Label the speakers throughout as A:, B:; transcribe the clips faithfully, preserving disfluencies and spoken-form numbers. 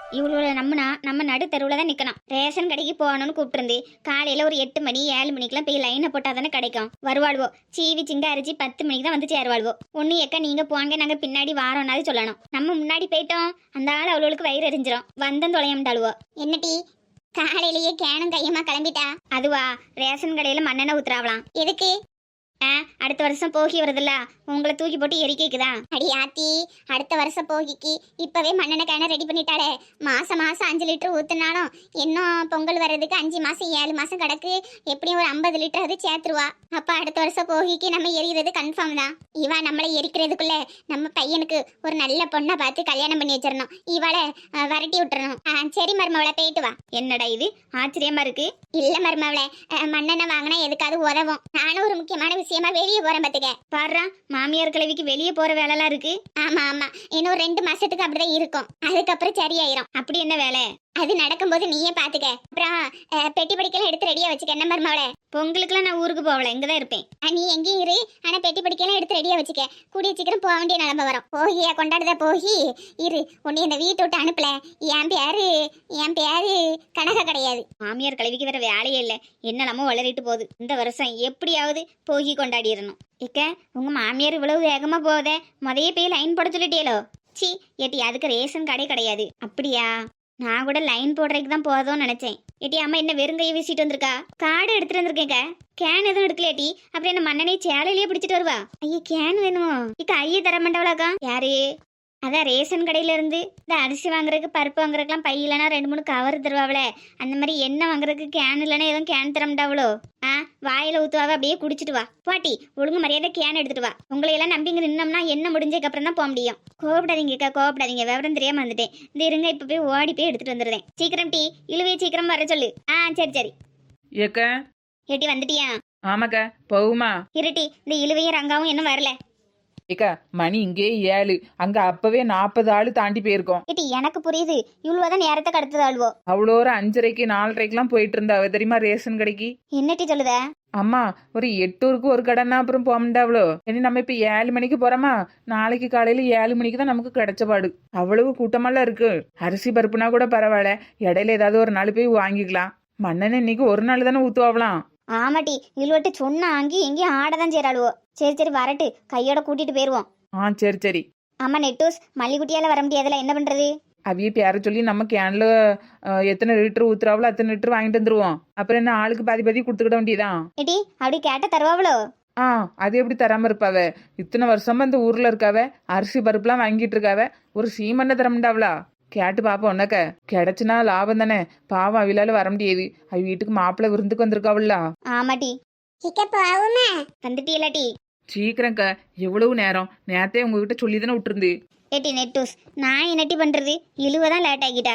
A: இவ்வளோ நம்மனா நம்ம நடு தெருவில் தான் நிற்கணும். ரேஷன் கடைக்கு போகணும்னு கூப்பிட்டுருந்து காலையில் ஒரு எட்டு மணி ஏழு மணிக்கெல்லாம் போய் லைனை போட்டால் தானே கிடைக்கும். வருவாள்வோ சீவி சிங்க அரிச்சு பத்து மணிக்கு தான் வந்து சேருவாள்வோ. ஒன்று எக்க நீங்கள் போங்க நாங்கள் பின்னாடி வாரோம்னாலும் சொல்லணும். நம்ம முன்னாடி போயிட்டோம் அந்த ஆள் அவளுக்கு வயிறு எரிஞ்சிரும். வந்தம் தொலையம்டாளுவோ. என்னட்டி காலையிலேயே கேனும் கையமா கிளம்பிட்டா? அதுவா ரேஷன் கடையில் மண்ணெண்ணெய் ஊத்துறாவலாம். எதுக்கு? ஆ அடுத்த வருஷம் போகி வருதுல்ல, உங்களை தூக்கி போட்டு எரிக்கைக்குதா? அடி ஆத்தி, அடுத்த வருஷம் போகிக்கு இப்பவே மண்ணெண்ணெய் கேனை ரெடி பண்ணிட்டாளே. மாசம் மாசம் அஞ்சு லிட்டர் ஊத்துனாலும் இன்னும் பொங்கல் வர்றதுக்கு அஞ்சு மாசம் ஏழு மாசம் கிடக்கு. எப்படியும் ஒரு ஐம்பது லிட்டர் அது சேர்த்துருவா. அப்ப அடுத்த வருஷம் போகிக்கு நம்ம எரிகிறது கன்ஃபார்ம் தான். இவா நம்மளை எரிக்கிறதுக்குள்ள நம்ம பையனுக்கு ஒரு நல்ல பொண்ணை பார்த்து கல்யாணம் பண்ணி வச்சிடணும். இவளை வரட்டி விட்டுறணும். ஆ சரி மருமவளை போயிட்டு வா. என்னடா இது ஆச்சரியமா இருக்கு? இல்ல மருமவளை, மண்ணெண்ணெய் வாங்கினா எதுக்காவது உதவும். நானும் ஒரு முக்கியமான விஷயமா வெளியே போறேன் பாத்துக்க. பாடுறா மாமியார் கிழவிக்கு வெளியே போற வேலைலாம் இருக்கு. ஆமா ஆமா, இன்னும் ரெண்டு மாசத்துக்கு அப்படிதான் இருக்கும். அதுக்கப்புறம் சரியாயிரும். அப்படி என்ன வேலை? அது நடக்கும்போது நீயே பாத்துக்க. அப்புறம் பெட்டி படிக்கலாம் எடுத்து ரெடியா வச்சுக்க. என்ன மருமவளே? பொங்கலுக்குலாம் நான் ஊருக்கு போகல, இங்கதான் இருப்பேன். நீ எங்கேயும் இரு, ஆனா பெட்டி படிக்கலாம் எடுத்து ரெடியா வச்சுக்க. கூடிய சீக்கிரம் போக வேண்டிய நிலம வரும். போகியா கொண்டாடுதா போகி இரு. உன்னை இந்த வீட்டை விட்டு அனுப்பல. என் பேரு என் பேரு கனகா கிடையாது. மாமியார் கல்விக்கு வேற வேலையே இல்லை. என்னெல்லாமோ வளரிட்டு போகுது. இந்த வருஷம் எப்படியாவது போகி கொண்டாடிடணும். இக்க உங்க மாமியார் இவ்வளவு வேகமா போதே, முதைய போய் லைன் போட சொல்லிட்டேலோ? சி ஏட்டி அதுக்கு ரேஷன் கடை கிடையாது. அப்படியா? நான் கூட லைன் போடுறதுக்கு தான் போதும்னு நினைச்சேன். ஏட்டி அம்மா என்ன வெறுங்கையை வீசிட்டு வந்திருக்கா? கார்டு எடுத்துட்டு வந்திருக்கேங்க. கேன் எதுவும் எடுக்கலையாட்டி? அப்புறம் என்ன மண்ணெண்ணெய் சேலையிலேயே பிடிச்சிட்டு வருவா? ஐயா கேன் வேணும். இக்க ஐயே தர மாட்டாவளாக்கா? யாரு? அதான் ரேஷன் கடையில இருந்து இந்த அரிசி வாங்குறதுக்கு பருப்பு வாங்குறதுக்குலாம் பை இல்லைனா ரெண்டு மூணு கவர் தருவாவளே, அந்த மாதிரி எண்ணெய் வாங்குறதுக்கு கேன் இல்லைன்னா எதுவும் கேன் தர மாட்டாவளோ? ஆ வாயில ஊத்துவாவ, அப்படியே குடிச்சிட்டு வா. பாட்டி ஒழுங்கு மரியாதை கேன் எடுத்துட்டு வா. உங்களை எல்லாம் நம்பிங்க நின்னோம்னா என்ன முடிஞ்சதுக்கு அப்புறம் தான் போக முடியும். கோவப்படாதீங்கக்கா கோவப்படாதீங்க, விவரம் தெரியாம வந்துட்டேன். இந்த இருங்க இப்ப போய் ஓடி போய் எடுத்துட்டு வந்துடுறேன். சீக்கிரம் டீ இழுவே சீக்கிரம் வர சொல்லு. ஆ சரி சரி.
B: ஏக்க
A: ஏட்டி வந்துட்டியா?
B: ஆமாக்கா போகுமா?
A: இருட்டி இந்த இழுவையும் ரங்காவும் இன்னும் வரல.
B: ஏக்கா மணி இங்கே ஏழு, அங்க அப்பவே நாற்பது ஆளு தாண்டி போயிருக்கோம்.
A: ஏட்டி எனக்கு புரியுது, இவ்வளவுதான் நேரத்தை கடத்துது ஆள்வோ.
B: அவ்வளோ ஒரு அஞ்சரைக்கு நாலரைக்கெல்லாம் போயிட்டு இருந்தாவ தெரியுமா ரேஷன் கடைக்கு.
A: என்னட்டி சொல்லுத?
B: அம்மா ஒரு எட்டூருக்கு ஒரு கடைன்னா அப்புறம் போக முடியாவளோ. இனி நம்ம இப்ப ஏழு மணிக்கு போறோமா, நாளைக்கு காலையில ஏழு மணிக்கு தான் நமக்கு கிடைச்சபாடு. அவ்வளவு கூட்டமெல்லாம் இருக்கு. அரிசி பருப்புனா கூட பரவாயில்ல, இடையில ஏதாவது ஒரு நாள் போய் வாங்கிக்கலாம். மண்ணெண்ணெய் இன்னைக்கு ஒரு நாள் தானே ஊத்துவாங்களாம்.
A: ஆமாட்டி இழுவட்டு சொன்னா அங்கி எங்கேயும் ஆடதான் சேராளுவோ. சரி சரி வரட்டு, கையோட கூட்டிட்டு போயிருவோம்.
B: ஆ சரி சரி.
A: ஆமா நெட்டூஸ் மல்லிகுட்டியால வர முடியாதுல, என்ன பண்றது?
B: அவைய பேர சொல்லி நம்ம கேன்ல எத்தனை லிட்டர் ஊத்துறாவளோ அத்தனை லிட்டர் வாங்கிட்டு வந்துருவோம். அப்புறம் என்ன ஆளுக்கு பாதி பாதி கொடுத்துக்கிட வேண்டியதான்.
A: ஏட்டி அப்படி கேட்ட தருவாவளோ?
B: ஆ அது எப்படி தராம இருப்பாவ? இத்தனை வருஷமா இந்த ஊர்ல இருக்காவ, அரிசி பருப்புலாம் வாங்கிட்டு இருக்காவ, ஒரு சீமண்ண தர முடியாவளா? கேட்டு பாப்போம். உனக்க கிடைச்சுனா லாபம் தானே. பாவம் அவிலால வர முடியாது, அவ வீட்டுக்கு மாப்பிள்ளை விருந்துக்கு வந்திருக்காவல்ல.
A: ஆமாட்டி வந்துட்டீங்களாட்டி?
B: சீக்கிரம்க்கா, எவ்வளவு நேரம்? நேரத்தையே உங்ககிட்ட சொல்லி தானே விட்டுருந்து.
A: ஏட்டி நெட்டூஸ் நான் என்னட்டி பண்றது, இழுவதான் லேட் ஆகிட்டா.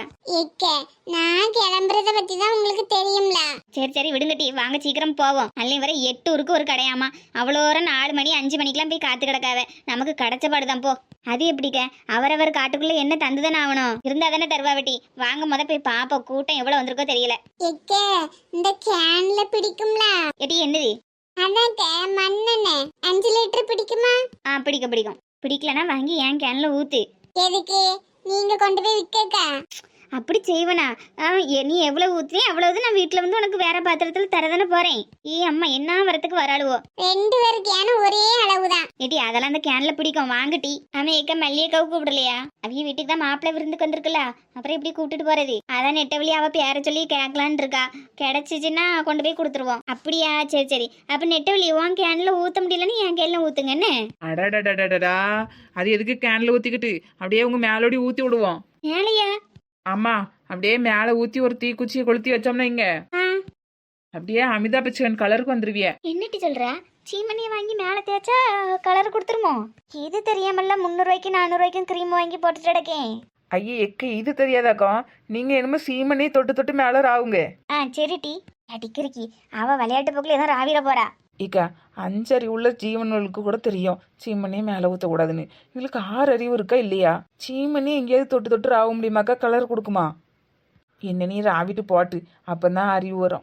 C: நான் கிளம்புறத பத்தி தான் உங்களுக்கு தெரியும்ல.
A: சரி சரி விடுங்கட்டி, வாங்க சீக்கிரம் போவோம். அல்லி வர எட்டு ஊருக்கு ஒரு கடையாமா. அவ்வளோ நாலு மணி அஞ்சு மணிக்கெல்லாம் போய் காத்து கிடக்காவ. நமக்கு கிடைச்ச பாடுதான் போ. அது எப்படிக்க அவரவர் காட்டுக்குள்ள என்ன தந்துதானே ஆகணும், இருந்தா தானே தருவாவட்டி. வாங்க முத போய் பாப்போம், கூட்டம் எவ்வளவு வந்திருக்கோ தெரியல.
C: இந்த கேன்ல பிடிக்கும்ல?
A: ஏட்டி என்னது?
C: அதான் மண்ணெண்ணெய் அஞ்சு லிட்டர் பிடிக்குமா?
A: ஆ பிடிக்கும் பிடிக்கும். பிடிக்கலனா வாங்கி ஏன் கேன்ல ஊத்து.
C: எதுக்கு? நீங்க கொண்டு போய் விற்க?
A: அப்படி செய்வனா? நீ எவ்வளவு ஊத்துறே அவ்வளவு நான் வீட்டுல வந்து உனக்கு வேற பாத்திரத்துல தரதானே போறேன். ஏ அம்மா என்ன வரத்துக்கு வராளுவோ.
C: ரெண்டு பேரு கேனும் ஒரே அளவுதான்.
A: ஏட்டி அதெல்லாம் அந்த கேன்ல பிடிக்கும் வாங்கட்டி. ஆமா ஏக்க மல்லியக்காவு கூப்பிடலையா? அவிய வீட்டுக்கு தான் மாப்பிள்ளை விருந்துக்கு வந்திருக்குல்ல, அப்புறம் எப்படி கூப்பிட்டுட்டு போறது? அதான் நெட்ட வழி அவ பேர சொல்லி கேட்கலான்னு இருக்கா. கிடைச்சிச்சுன்னா கொண்டு போய் கொடுத்துருவோம். அப்படியா? சரி சரி. அப்ப நெட்ட வழி உன் கேன்ல ஊத்த முடியலன்னு என் கேன்ல ஊத்துங்க என்ன.
B: அடடடடடா, அது எதுக்கு கேன்ல ஊத்திக்கிட்டு அப்படியே உங்க மேலோடி ஊத்தி விடுவோம்.
A: மேலையா?
B: ஆமா, அப்படியே மேல ஊத்தி ஒரு தீக்குச்சியை கொளுத்தி வச்சோம்னா இங்க அப்படியே அமிதாப் பச்சன் கலருக்கு வந்துருவிய.
A: என்னட்டி சொல்ற? சீமணியை வாங்கி மேல தேய்ச்சா கலர் கொடுத்துருமோ? இது தெரியாமல்ல முந்நூறு ரூபாய்க்கு நானூறு ரூபாய்க்கும் கிரீம் வாங்கி போட்டுட்டு கிடக்கேன்.
B: ஐயே எக்க இது தெரியாதாக்கா? நீங்க என்னமோ சீமனே தொட்டு தொட்டு மேல ராவுங்க.
A: ஆ சரி டி அடிக்கிறக்கி அவ விளையாட்டு போக்குல ஏதோ ராவிர போறா.
B: இக்கா அஞ்சறிவு உள்ள ஜீவன்களுக்கு கூட தெரியும் சீமனே மேல ஊத்தக்கூடாதுன்னு. இவளுக்கு ஆறு அறிவு இருக்கா இல்லையா? சீமனே எங்கேயாவது தொட்டு தொட்டு ராவ முடியுமாக்கா? கலர் கொடுக்குமா? என்ன நீ ராவிட்டு போட்டு அப்பதான் அறிவு வரும்.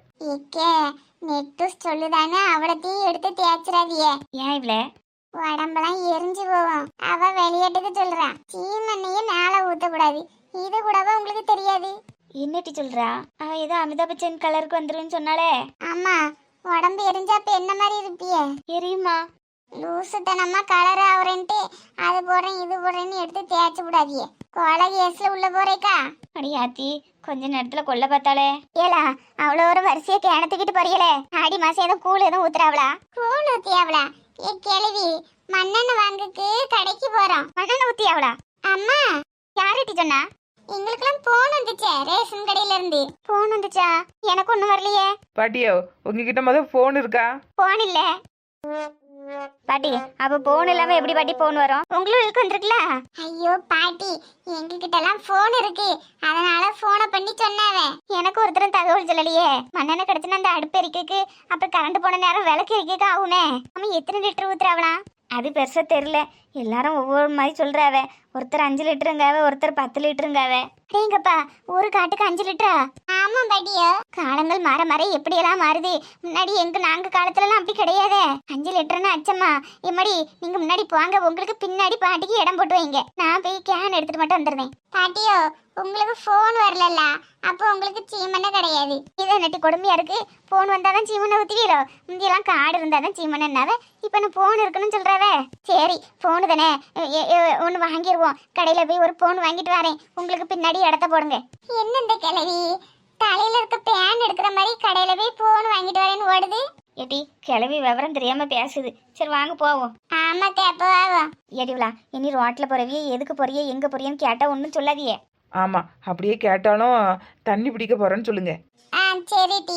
C: நெட்டூஸ் சொல்லுதானே அவளத்தையும் எடுத்து தேய்ச்சிடாதிய.
A: ஏன் இவ்ள
C: உடம்பெல்லாம் எரிஞ்சு போவோம். அவ விளையாட்டுக்கு சொல்றான் சீமண்ணையே மேல ஊத்தக்கூடாது. இது கூடவா உங்களுக்கு தெரியாது?
A: என்னட்டி சொல்றா? அவ ஏதோ அமிதாப் பச்சன் கலருக்கு வந்துருன்னு சொன்னாலே.
C: ஆமா, உடம்பு எரிஞ்சா அப்ப என்ன மாதிரி இருப்பியே?
A: எரியுமா?
C: லூசுத்தனமா கலர் ஆவரன்ட்டு அது போடுறேன் இது போடுறேன்னு எடுத்து தேய்ச்சி விடாதியே. கொலை கேஸ்ல உள்ள போறேக்கா?
A: அடி ஆத்தி, கொஞ்ச நேரத்துல கொல்ல பார்த்தாளே.
C: ஏலா அவ்வளோ ஒரு வரிசையை கேணத்துக்கிட்டு போறீங்களே, ஆடி மாசம் ஏதோ கூழ் எதுவும் ஊத்துறாவளா? கூழ் ஊத்தியாவளா? ஏ கேள்வி, மண்ணெண்ணெய் வாங்குக்கு கடைக்கு போறோம்.
A: மண்ணெண்ணெய் ஊத்தியாவளா?
C: அம்மா,
A: யாருட்டி சொன்னா?
C: எங்களுக்கெல்லாம் போன் வந்துச்சே ரேஷன் கடையில இருந்து.
A: போன் வந்துச்சா? எனக்கு ஒண்ணும் வரலையே.
B: பாட்டியோ உங்ககிட்ட முதல் ஃபோன் இருக்கா?
A: போன் இல்ல பாட்டி. அப்ப போன் இல்லாம எப்படி பாட்டி போன் வரும்? உங்களுக்கு வந்துருக்குல.
C: ஐயோ பாட்டி, எங்ககிட்ட எல்லாம் போன் இருக்கு, அதனால போனை பண்ணி சொன்னாவே.
A: எனக்கு ஒருத்தரும் தகவல் சொல்லலையே. மண்ணெண்ணெய் கிடைச்சுன்னா அந்த அடுப்பு எரிக்கைக்கு அப்புறம் கரண்ட் போன நேரம் விளக்கு எரிக்கைக்கு ஆகுனே. அவன் எத்தனை லிட்டர் ஊத்துறாவலாம்? அது பெருசா தெரியல. எல்லாரும் ஒவ்வொரு மாதிரி சொல்றாவ. ஒருத்தர் அஞ்சு லிட்டருங்காவ, ஒருத்தர் பத்து லிட்டருங்காவ. நீங்கப்பா ஒரு காட்டுக்கு அஞ்சு லிட்டரா?
C: ஆமா பாட்டியோ.
A: காலங்கள் மாற மாற எப்படியெல்லாம் மாறுது. முன்னாடி எங்க நாங்க காலத்துல எல்லாம் அப்படி கிடையாதே. அஞ்சு லிட்டர்னு அச்சம்மா. எம்மாடி நீங்க முன்னாடி போவாங்க, உங்களுக்கு பின்னாடி பாட்டிக்கு இடம் போட்டு வைங்க. நான் போய் கேன் எடுத்துட்டு மட்டும் வந்துடுறேன்.
C: பாட்டியோ, உங்களுக்கு போன் வரலல்ல, அப்போ உங்களுக்கு சீமனை கிடையாது.
A: இதை நட்டி கொடுமையா இருக்கு. போன் வந்தாதான் சீமனை ஊத்துவீரோ? முந்தியெல்லாம் காடு இருந்தாதான் சீமனைன்னாவே. இப்ப நான் போன் இருக்குன்னு சொல்றாவே. சரி போனு தானே, ஒன்னு வாங்கிடுவோம். கடையில போய் ஒரு போன் வாங்கிட்டு வரேன். உங்களுக்கு பின்னாடி இடத்த போடுங்க.
C: என்ன இந்த கிழவி தலையில இருக்க பேன் எடுக்கிற மாதிரி கடையில போய் போன் வாங்கிட்டு வரேன்னு ஓடுது?
A: ஏட்டி கிளவி விவரம் தெரியாம பேசுது. சரி வாங்க போவோம்.
C: ஆமா தேப்போ ஆகும்.
A: ஏடிவிலா இனி ரோட்ல போறவியே எதுக்கு போறியே எங்க போறியன்னு கேட்டா ஒன்னும் சொல்லாதியே.
B: ஆமா, அப்படியே கேட்டாலும் தண்ணி பிடிக்க போறேன்னு சொல்லுங்க.
C: ஆ சரி டி.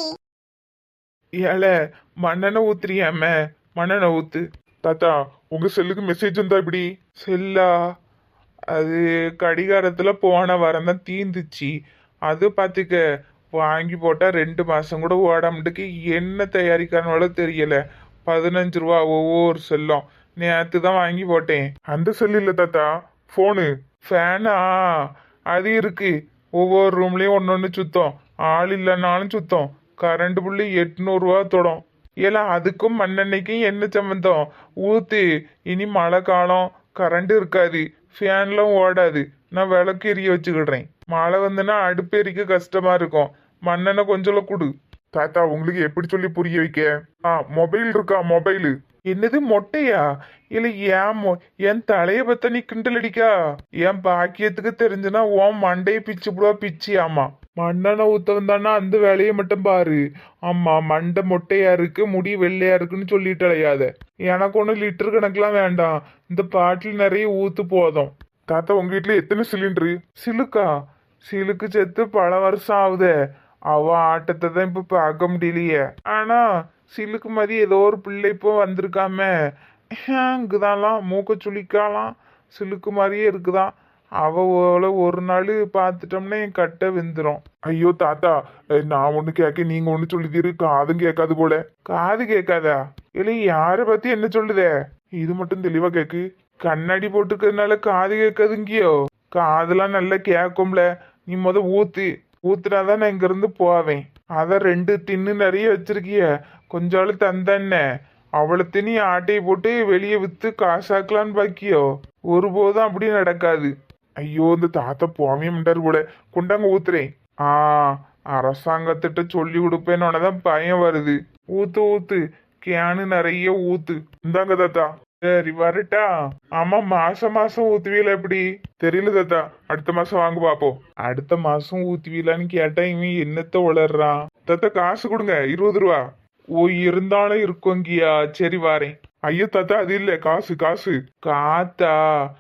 D: ஏல மண்ணெண்ணெய் ஊத்துறியாம, மண்ணெண்ணெய் ஊத்து. தாத்தா உங்க செல்லுக்கு மெசேஜ் வந்தா இப்படி? செல்லா அது கடிகாரத்துல போன வாரம் தான் தீந்துச்சு. அது பாத்துக்க, வாங்கி போட்டா ரெண்டு மாசம் கூட ஓடாமட்டுக்கு என்ன தயாரிக்கானோட தெரியல. பதினஞ்சு ரூபா ஒவ்வொரு செல்லும். நேற்று தான் வாங்கி போட்டேன். அந்த செல்லு இல்ல தாத்தா, ஃபோனு. ஃபேனா அது இருக்கு. ஒவ்வொரு ரூம்லயும் ஒன்னொன்னு சுத்தம். ஆள் இல்லைனாலும் சுத்தம். கரண்ட் புள்ளி எட்நூறுவா தொடும். ஏல அதுக்கும் மண்ணெண்ணெய்க்கும் என்ன சம்பந்தம்? ஊத்து. இனி மழை காலம், கரண்ட் இருக்காது, ஃபேன்லாம் ஓடாது. நான் விளக்கு எரிய வச்சுக்கிடுறேன். மழை வந்துன்னா அடுப்பு எரிக்க கஷ்டமா இருக்கும். மண்ணெண்ணெய் கொஞ்சம் கொடு. தாத்தா உங்களுக்கு எப்படி சொல்லி புரிய வைக்க? ஆ மொபைல் இருக்கா? மொபைலு. என்னது மொட்டையா? இல்ல ஏன் மொ- என் தலைய பத்த நீ கிண்டல் அடிக்கா? என் பாக்கியத்துக்கு தெரிஞ்சுன்னா உன் மண்டையை பிச்சு புடுவா பிச்சு. ஆமா மண்ணெண்ணெய் ஊத்தவன் தானே, அந்த வேலையை மட்டும் பாரு. ஆமா மண்டை மொட்டையா இருக்கு, முடி வெள்ளையா இருக்குன்னு சொல்லிட்டு அலையாத. எனக்கு ஒன்றும் லிட்டர் கணக்கெல்லாம் வேண்டாம், இந்த பாட்டில் நிறைய ஊத்து போதும். தாத்தா உங்க வீட்டுல எத்தனை சிலிண்டரு? சிலுக்கா? சிலுக்கு செத்து பல வருஷம் ஆகுதே. அவ ஆட்டத்தை தான் இப்ப பார்க்க முடியலையே. ஆனா சிலுக்கு மாதிரி ஏதோ ஒரு பிள்ளை இப்போ வந்திருக்காம, இங்குதான்லாம் மூக்க சுளிக்காலாம், சிலுக்கு மாதிரியே இருக்குதான். அவ ஓல ஒரு நாள் பார்த்துட்டோம்னா என் கட்டை வெந்துடும். ஐயோ தாத்தா, அஹ் நான் ஒண்ணு கேட்க நீங்க ஒண்ணு சொல்லிதீரு. காதும் கேட்காது போல. காது கேட்காதா? இல்லை யார பத்தி என்ன சொல்லுதே? இது மட்டும் தெளிவா கேக்கு. கண்ணாடி போட்டுக்கிறதுனால காது கேட்காதுங்கியோ? காதெல்லாம் நல்லா கேட்கும்ல. நீ முத ஊத்து. ஊத்துனாதான் நான் இங்க இருந்து போவேன். அதான் ரெண்டு தின்னு நிறைய வச்சிருக்கிய, கொஞ்சாலு தந்தன்ன. அவளை தினி ஆட்டையை போட்டு வெளியே வித்து காசாக்கலான்னு பாக்கியோ? ஒருபோதும் அப்படி நடக்காது. ஐயோ இந்த தாத்தா போவே மாட்டாரு போல. கொண்டாங்க ஊத்துறேன். ஆ அரசாங்கத்திட்ட சொல்லி கொடுப்பேன்னு பயம் வருது. ஊத்து ஊத்து, கேனு நிறைய ஊத்து. இந்தாங்க தாத்தா. சரி வரட்டா? ஆமா மாசம் மாசம் ஊத்துவீல எப்படி? தெரியல தாத்தா, அடுத்த மாசம் வாங்க பாப்போம். அடுத்த மாசம் ஊத்துவீலான்னு கேட்டா இவன் என்னத்த உளறான். தாத்தா காசு கொடுங்க, இருபது ரூபா. ஓ இருந்தாலும் இருக்கோங்கியா? சரி வாரேன். ஐயோ தாத்தா அது இல்ல, காசு காசு. காத்தா?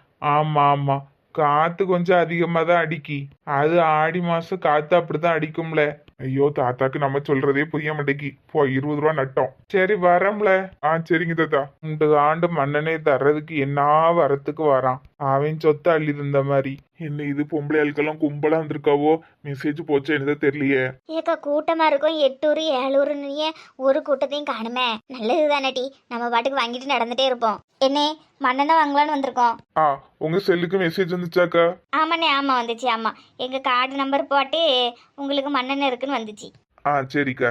D: ஆமா ஆமா, காத்து கொஞ்சம் அதிகமா தான் அடிக்கி. அது ஆடி மாசம் காத்து அப்படிதான் அடிக்கும்ல. ஐயோ தாத்தாக்கு நம்ம சொல்றதே புரிய மாட்டேங்கி. போ இருபது ரூபா நட்டோம். சரி வரம்ல. ஆ சரிங்க தாத்தா. இந்த ஆண்டு மண்ணெண்ணெய் தர்றதுக்கு என்ன வரத்துக்கு வரான். அவன் சொத்தை அள்ளி தந்த மாதிரி. என்ன இது பொம்பளை ஆளுக்கெல்லாம் கும்பலா வந்திருக்காவோ? மெசேஜ் போச்சா என்னதோ தெரியலையே.
A: ஏக்கா கூட்டமா இருக்கும். எட்டூர் ஏழூர்னு ஒரு கூட்டத்தையும் காணுமே. நல்லது தானேட்டி, நம்ம பாட்டுக்கு வாங்கிட்டு நடந்துட்டே இருப்போம். என்ன மண்ணெண்ணெய் வாங்கலான்னு வந்திருக்கோம்.
D: ஆ உங்க செல்லுக்கு மெசேஜ் வந்துச்சாக்கா?
A: ஆமாண்ணே ஆமா வந்துச்சு. ஆமா எங்க கார்டு நம்பர் போட்டு உங்களுக்கு மண்ணெண்ணெய் இருக்குன்னு வந்துச்சு.
D: ஆ சரிக்கா.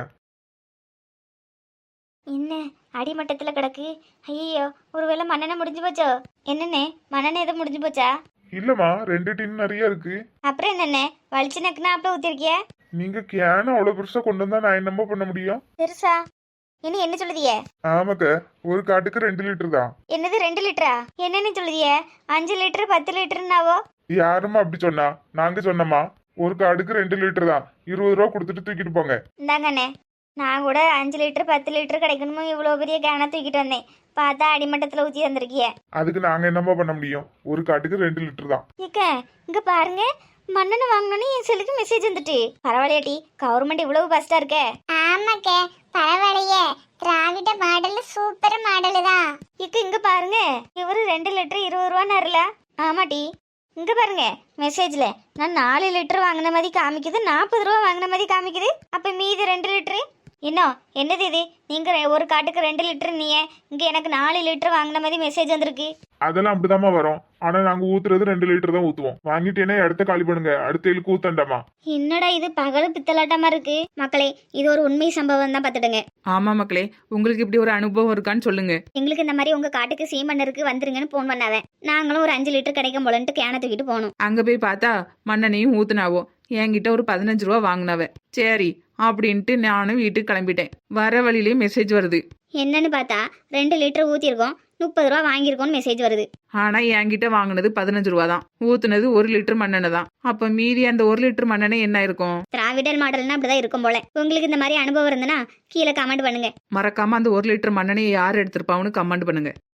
A: என்ன அடிமட்டத்துல கிடக்கு? ஐயோ ஒருவேளை மண்ணெண்ணெய் முடிஞ்சு போச்சோ? என்னண்ணே மண்ணெண்ணெய் எதுவும் முடிஞ்சு போச்சா?
D: இல்லம்மா ரெண்டு டின் நிறைய இருக்கு.
A: அப்புறம் என்னண்ணே வலிச்சு நக்குனா அப்ப ஊத்திருக்கிய
D: நீங்க கேன அவ்வளவு பெருசா கொண்டு வந்தா நான் என்னம்மா பண்ண முடியும்?
A: பெருசா இனி என்ன சொல்லுதிய?
D: ஆமாக்க, ஒரு காட்டுக்கு ரெண்டு லிட்டர் தான்.
A: என்னது ரெண்டு லிட்டரா? என்னன்னு சொல்லுதிய? அஞ்சு லிட்டர் பத்து லிட்டர்னாவோ?
D: யாரும்மா அப்படி சொன்னா? நாங்க சொன்னோமா ஒரு காடுக்கு ரெண்டு லிட்டர் தான், இருபது ரூபா கொடுத்துட்டு தூக்கிட்டு போங்க.
A: இந்தாங்கண்ணே, நான் கூட அஞ்சு லிட்டர் பத்து லிட்டர் கிடைக்கணுமோ இவ்வளோ பெரிய கேனை தூக்கிட்டு வந்தேன். பார்த்தா அடிமட்டத்தில் ஊற்றி வந்திருக்கிய.
D: அதுக்கு நாங்க என்னம்மா பண்ண முடியும்? ஒரு காட்டுக்கு ரெண்டு லிட்டர் தான்.
A: ஏக்க இங்க பாருங்க, மண்ணெண்ணெய் வாங்கணும்னு என் செல்லுக்கு மெசேஜ் வந்துட்டு. பரவாயில்லையாட்டி, கவர்மெண்ட் இவ்வளவு ஃபஸ்டா இருக்க.
C: ஆமாக்கே பரவாயில்லையே, திராவிட மாடல் சூப்பர் மாடலு தான்.
A: இக்க இங்க பாருங்க, இவரு ரெண்டு லிட்டர் இருபது ரூபான்னு. ஆமாட்டி, இங்க பாருங்க மெசேஜ்ல நான் நாலு லிட்டர் வாங்கின மாதிரி காமிக்குது, நாற்பது ரூபா வாங்கின மாதிரி காமிக்குது. அப்ப மீதி ரெண்டு லிட்டரு இன்னும் என்னது இது? நீங்க ரெ- ஒரு காட்டுக்கு ரெண்டு லிட்டர், நீ இங்க எனக்கு நாலு லிட்டர் வாங்கின மாதிரி மெசேஜ் வந்திருக்கு.
D: அதெல்லாம் அப்படிதாம்மா வரும். ஆனா நாங்க ஊத்துறது ரெண்டு லிட்டர் தான் ஊத்துவோம். வாங்கிட்டேன்னா இடத்த காலி பண்ணுங்க, அடுத்த இழுக்கு ஊத்தண்டாமா.
A: என்னடா இது பகல் பித்தலாட்டமா இருக்கு? மக்களே, இது ஒரு உண்மை சம்பவம் தான் பார்த்துடுங்க.
B: ஆமா மக்களே, உங்களுக்கு இப்படி ஒரு அனுபவம் இருக்கான்னு சொல்லுங்க.
A: எங்களுக்கு இந்த மாதிரி உங்க காட்டுக்கு சீமண்ணருக்கு வந்துருங்கன்னு போன் பண்ணாவேன். நாங்களும் ஒரு அஞ்சு லிட்டர் கிடைக்கும் போலன்ட்டு கேனை தூக்கிட்டு போனோம்.
B: அங்க போய் பார்த்தா மண்ணெண்ணையும் ஊத்துனாவோ. என்கிட்ட ஒரு பதினஞ்சு ரூபா வாங்கினவ. சரி அப்படின்ட்டு நானும் வீட்டுக்கு கிளம்பிட்டேன். வர வழியிலேயே மெசேஜ் வருது.
A: என்னன்னு பார்த்தா ரெண்டு லிட்டர் ஊத்திருக்கோம், முப்பது ரூபா வாங்கியிருக்கோம்னு மெசேஜ் வருது.
B: ஆனா என்கிட்ட வாங்கினது பதினஞ்சு ரூபா தான், ஊத்துனது ஒரு லிட்டர் மண்ணெண்ணெய் தான். அப்ப மீதி அந்த ஒரு லிட்டர் மண்ணெண்ணெய் என்ன இருக்கும்?
A: திராவிடர் மாடல்னா அப்படிதான் இருக்கும் போல. உங்களுக்கு இந்த மாதிரி அனுபவம் இருந்ததுன்னா கீழே கமெண்ட் பண்ணுங்க.
B: மறக்காம அந்த ஒரு லிட்டர் மண்ணெண்ணெயை யார் எடுத்திருப்பாங்கன்னு கமெண்ட் பண்ணுங்க.